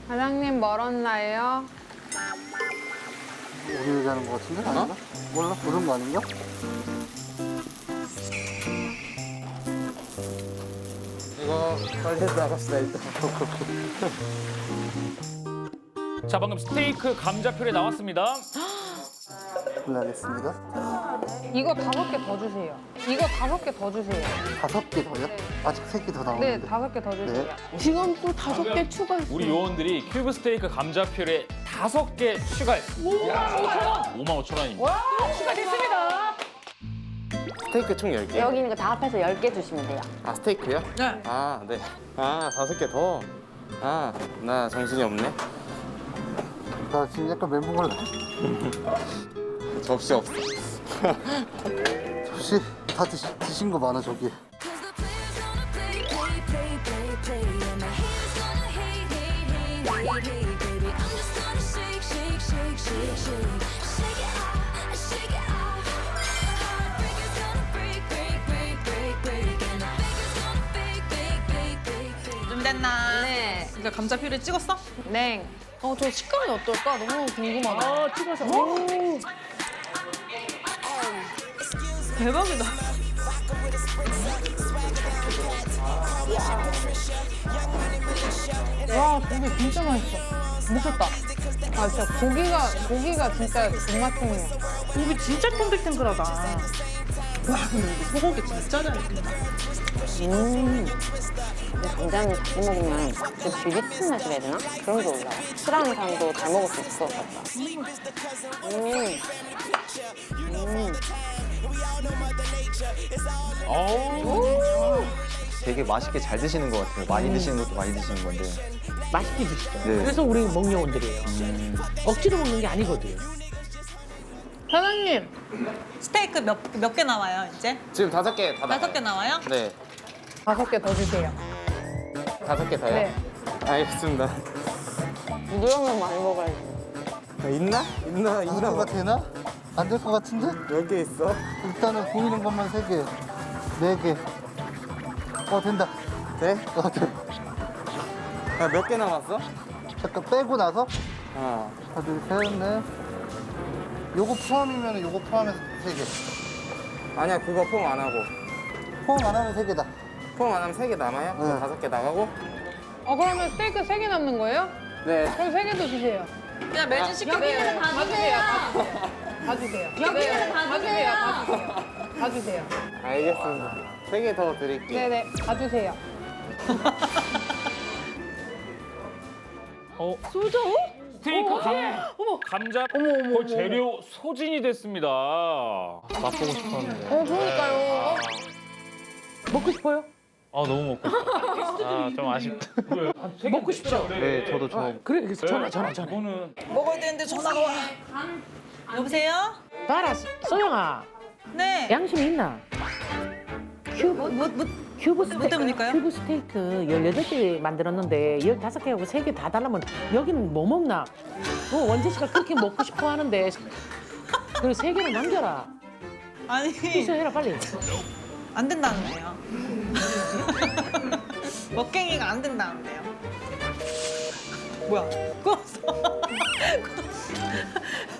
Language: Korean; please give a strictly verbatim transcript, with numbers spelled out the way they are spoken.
사장님 멀었나요? 우리 얘기하는 거 같은데? 아닌가? 몰라? 그런 거 아닌가? 이거 빨리 나갑시다 일단. 자, 방금 스테이크 감자 퓨레 나왔습니다. 골라겠습니다. 이거 다섯 개 더 주세요. 이거 다섯 개 더 주세요. 다섯 개 더요? 네. 아직 세 개 더 네, 나오는데. 다섯 개 더 주세요. 네. 지금 또 다섯 개 추가했어. 우리 요원들이 큐브 스테이크 감자 퓨레 다섯 개 추가했습니다. 오만 오천 원입니다. 추가됐습니다. 스테이크 총 열 개. 여기 있는 거 다 합해서 열 개 주시면 돼요. 아 스테이크요? 네. 아 네. 아 다섯 개 더. 아 나 정신이 없네. 나 지금 약간 멘붕을 나. 접시 없어. 혹시 다 드시, 드신 거 많아, 저기. 준비됐나? 네. 이거 감자 퓨레 찍었어? 네. 어, 저 식감이 어떨까? 너무 궁금하다. 아, 찍어서. 오. 대박이다. 와, 고기 진짜 맛있어. 미쳤다. 아, 진짜 고기가, 고기가 진짜 존맛탱이야. 고기 진짜 탱글탱글하다. 와, 근데 이거 소고기 진짜 잘 익힌다. 음. 이 감자는 자주 먹으면 그 비릿한 맛이라 해야 되나? 그런 게 올라와. 싫어하는 사람도 잘 먹을 수 있을 것 같다. 음. 음. 어우. 되게 맛있게 잘 드시는 것 같아요. 많이 드시는 것도 많이 드시는 건데. 맛있게 드시죠. 네. 그래서 우리 먹요원들이에요. 억지로 먹는 게 아니거든요. 사장님. 스테이크 몇 몇 개 나와요 이제? 지금 다섯 개 다. 다섯 개 나와요? 네. 다섯 개 더 주세요. 다섯 개 더요? 네. 알겠습니다. 부드러우면 많이 먹어야지. 아, 있나? 있나? 될 있나? 거 되나? 안 될 거 같은데? 몇 개 있어? 일단은 보이는 것만 세 개. 네 개. 어, 된다. 네? 어, 돼. 아, 몇 개 남았어? 잠깐 빼고 나서 하나. 하나, 둘, 셋, 넷. 요거 포함이면 요거 포함해서 세 개. 아니야 그거 포함 안 하고. 포함 안 하면 세 개다. 포함 안 하면 세 개 남아요? 그럼 네. 다섯 개 나가고? 어, 그러면 스테이크 세 개 남는 거예요? 네. 그럼 세 개도 주세요. 그냥 매진 시키면 다 주세요. 다 주세요. 여기는 다 주세요. 다 주세요. 다 주세요. 알겠습니다. 세 개 더 드릴게요. 네네, 다 주세요. 어, 소저? 스테이크 감, 감자 거의 재료 소진이 됐습니다. 맛보고 싶었는데. 어, 그러니까요. 먹고 싶어요? 아, 너무 먹고 싶다. 아, 좀 아쉽다. 먹고 싶죠? 네, 저도 저 그래, 그래서 전화, 전화, 전화. 이거는 먹어야 되는데 전화가 와. 여보세요? 봐라, 소영아. 네. 양심이 있나? 큐브, 뭐, 뭐, 뭐, 큐브 뭐 스테이크, 때문일까요? 큐브 스테이크 열여덟 개 만들었는데 열다섯 개하고 세 개 다 달라면 여기는 뭐 먹나? 어, 원재 씨가 그렇게 먹고 싶어 하는데 그리고 세 개는 남겨라. 아니 취소해라, 빨리. 안 된다는데요. 먹갱이가 안 된다는데요. 뭐야? 구웠어.